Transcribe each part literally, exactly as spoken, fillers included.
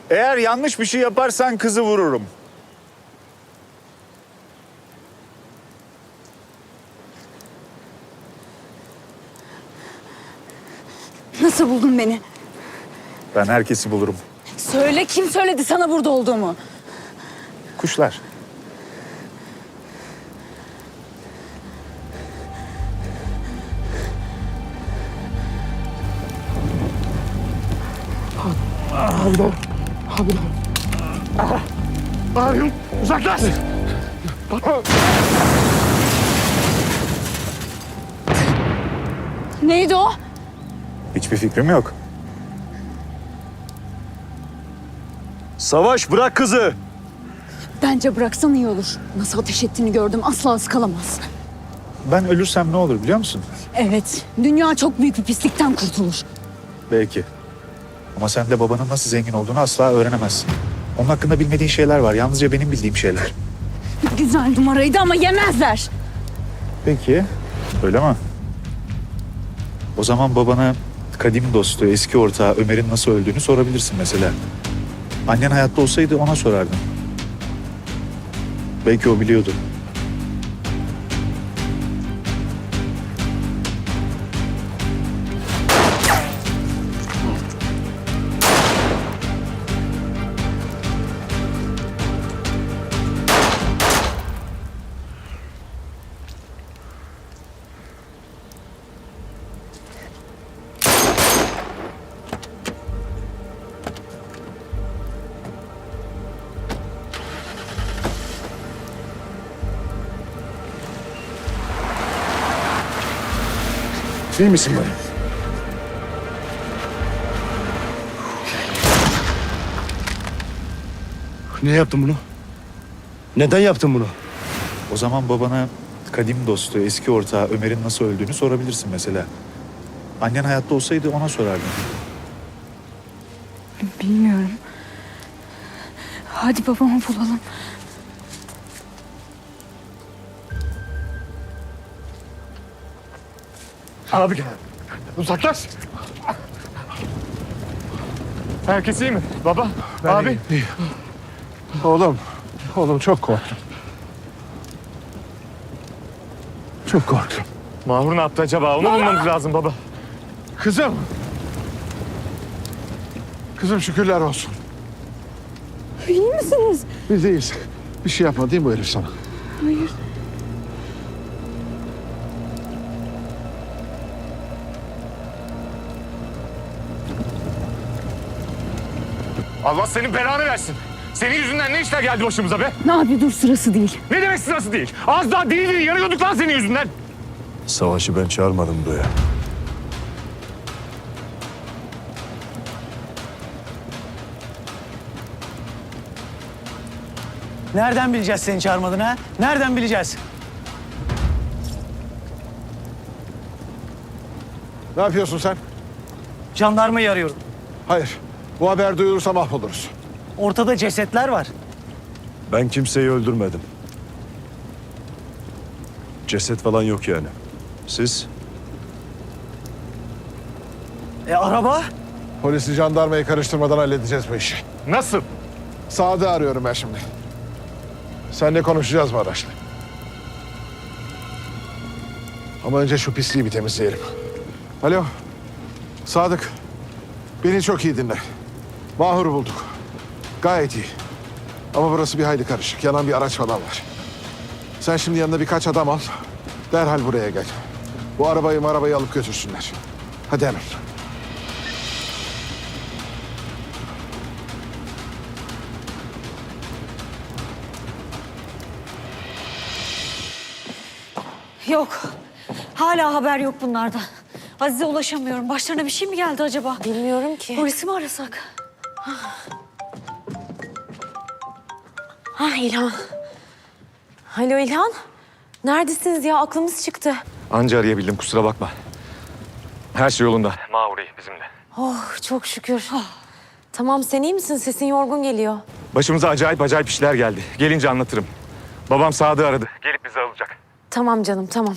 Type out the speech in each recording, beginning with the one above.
Eğer yanlış bir şey yaparsan kızı vururum. Nasıl buldun beni? Ben herkesi bulurum. Söyle, kim söyledi sana burada olduğumu? Kuşlar. Abi, abi. Abi, uzaklaş! Neydi o? Hiçbir fikrim yok. Savaş, bırak kızı! Bence bıraksan iyi olur. Nasıl ateş ettiğini gördüm, asla ıskalamaz. Ben ölürsem ne olur biliyor musun? Evet, dünya çok büyük bir pislikten kurtulur. Belki. Ama sen de babanın nasıl zengin olduğunu asla öğrenemezsin. Onun hakkında bilmediğin şeyler var. Yalnızca benim bildiğim şeyler. Güzel numaraydı ama yemezler. Peki. Öyle mi? O zaman babana kadim dostu, eski ortağı Ömer'in nasıl öldüğünü sorabilirsin mesela. Annen hayatta olsaydı ona sorardın. Belki o biliyordu. İyi misin bana? Niye yaptın bunu? Neden yaptın bunu? O zaman babana kadim dostu, eski ortağı Ömer'in nasıl öldüğünü sorabilirsin mesela. Annen hayatta olsaydı ona sorardın. Bilmiyorum. Hadi babamı bulalım. Abi gel. Uzaklaş. Herkes iyi mi? Baba, abi. İyi. Oğlum, oğlum çok korktum. Çok korktum. Mahur ne yaptı acaba? Onu bulmamız lazım baba. Kızım. Kızım şükürler olsun. İyi misiniz? Biz iyiyiz. Bir şey yapmadı değil mi bu herif sana? Hayır. Allah senin belanı versin. Senin yüzünden ne işler geldi başımıza be? Abi dur, sırası değil. Ne demek sırası değil? Az daha değil değil yanıyorduk lan senin yüzünden. Savaşı ben çağırmadım buraya. Nereden bileceğiz seni çağırmadığını ha? Nereden bileceğiz? Ne yapıyorsun sen? Jandarmayı arıyorum. Hayır. Bu haber duyulursa mahvoluruz. Ortada cesetler var. Ben kimseyi öldürmedim. Ceset falan yok yani. Siz? E araba? Polisi jandarmayı karıştırmadan halledeceğiz bu işi. Nasıl? Sadık'ı arıyorum ben şimdi. Seninle konuşacağız bu araçla. Ama önce şu pisliği bir temizleyelim. Alo. Sadık. Beni çok iyi dinle. Mahur'u bulduk. Gayet iyi. Ama burası bir hayli karışık. Yanan bir araç falan var. Sen şimdi yanına birkaç adam al. Derhal buraya gel. Bu arabayı arabayı alıp götürsünler. Hadi hemen. Yok. Hala haber yok bunlardan. Azize ulaşamıyorum. Başlarına bir şey mi geldi acaba? Bilmiyorum ki. Polisi mi arasak? Ha İlhan. Alo İlhan. Neredesiniz ya? Aklımız çıktı. Anca arayabildim kusura bakma. Her şey yolunda. Mahur iyi bizimle. Oh çok şükür. Tamam sen iyi misin? Sesin yorgun geliyor. Başımıza acayip acayip işler geldi. Gelince anlatırım. Babam Sadık'ı aradı. Gelip bizi alacak. Tamam canım tamam.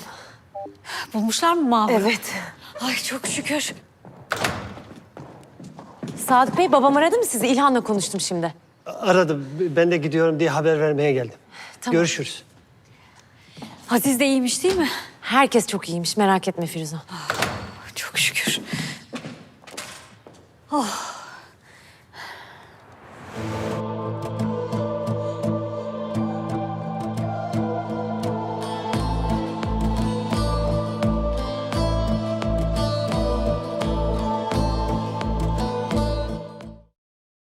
Bulmuşlar mı Mahur'u? Evet. Ay çok şükür. Sadık Bey babam aradı mı sizi? İlhan'la konuştum şimdi. Aradım. Ben de gidiyorum diye haber vermeye geldim. Tamam. Görüşürüz. Aziz de iyiymiş değil mi? Herkes çok iyiymiş merak etme Firuze. Çok şükür. Oh.